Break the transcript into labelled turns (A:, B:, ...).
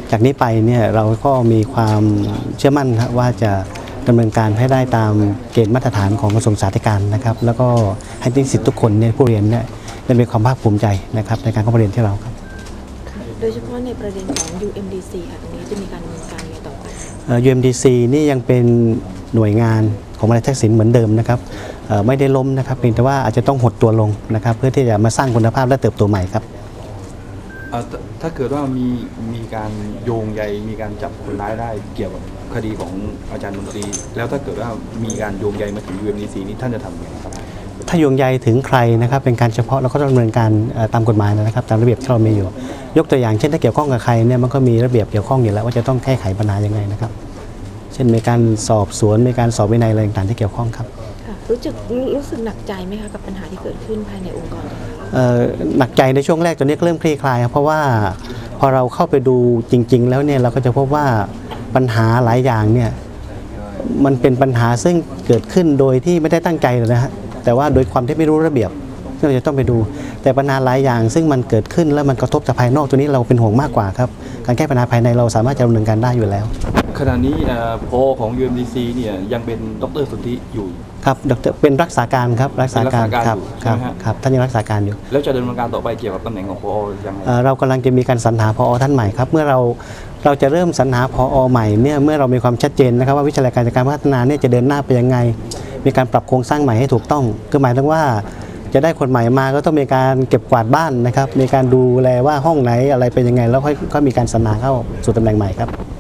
A: จากนี้ไปเนี่ยเราก็มีความเชื่อมั่นครับว่าจะดำเนินการให้ได้ตามเกณฑ์มาตรฐานของกระทรวงศึกษาธิการนะครับแล้วก็ให้นิสิตทุกคนเนี่ยผู้เรียนเนี่ยได้มีความภาคภูมิใจนะครับในการเข้ามาเรียนที่เราครับ
B: โดยเฉพาะในประเด็นของ UMDC ค่ะตรงนี้จะมีการดำเนินการยังไงต่อไป
A: UMDC นี่ยังเป็นหน่วยงานของมหาวิทยาลัยทักษิณเหมือนเดิมนะครับไม่ได้ล้มนะครับเพียงแต่ว่าอาจจะต้องหดตัวลงนะครับเพื่อที่จะมาสร้างคุณภาพและเติบโตใหม่ครับ
C: ถ้าเกิดว่ามีการโยงใยมีการจับคนร้ายได้เกี่ยวกับคดีของอาจารย์มนตรีแล้วถ้าเกิดว่ามีการโยงใยมาถึง UMDC นี้ท่านจะทำยังไงครับ
A: ถ้าโยงใยถึงใครนะครับเป็นการเฉพาะเราก็ต้องดำเนินการตามกฎหมายนะครับตามระเบียบที่เรามีอยู่ยกตัวอย่างเช่นถ้าเกี่ยวข้องกับใครเนี่ยมันก็มีระเบียบเกี่ยวข้องอยู่แล้วว่าจะต้องแก้ไขปัญหายังไงนะครับเช่นมีการสอบสวนมีการสอบวินัยอะไรต่างๆที่เกี่ยวข้องครับ
B: รู้สึกหนักใจไหมคะกับปัญหาที่เกิดขึ้นภายในองค์กร
A: หนักใจในช่วงแรกตอนนี้เริ่มคลี่คลายครับเพราะว่าพอเราเข้าไปดูจริงๆแล้วเนี่ยเราก็จะพบว่าปัญหาหลายอย่างเนี่ยมันเป็นปัญหาซึ่งเกิดขึ้นโดยที่ไม่ได้ตั้งใจเลยนะฮะแต่ว่าโดยความที่ไม่รู้ระเบียบเราจะต้องไปดูแต่ปัญหาหลายอย่างซึ่งมันเกิดขึ้นแล้วมันกระทบจากภายนอกตัวนี้เราเป็นห่วงมากกว่าครับการแก้ปัญหาภายในเราสามารถจะดำเนินการได้อยู่แล้ว
C: ขณะนี้ผอของ UMDC เนี่ยยังเป็นดร.สุทธิอยู่
A: ครับดร.เป็นรักษาการครับรักษาการครับท่านยังรักษาการอยู่
C: แล้วจะดำเนินการต่อไปเกี่ยวกับตำแหน่งของผอยังไง
A: เรากำลังจะมีการสรรหาผอท่านใหม่ครับเมื่อเราจะเริ่มสรรหาผอใหม่เนี่ยเมื่อเรามีความชัดเจนนะครับว่าวิชาการจัดการพัฒนาเนี่ยจะเดินหน้าไปยังไงมีการปรับโครงสร้างใหม่ให้ถูกต้องคือหมายถึงว่าจะได้คนใหม่มาก็ต้องมีการเก็บกวาดบ้านนะครับมีการดูแลว่าห้องไหนอะไรเป็นยังไงแล้วค่อยมีการสรรหาเข้าสู่ตำแหน่งใหม่ครับ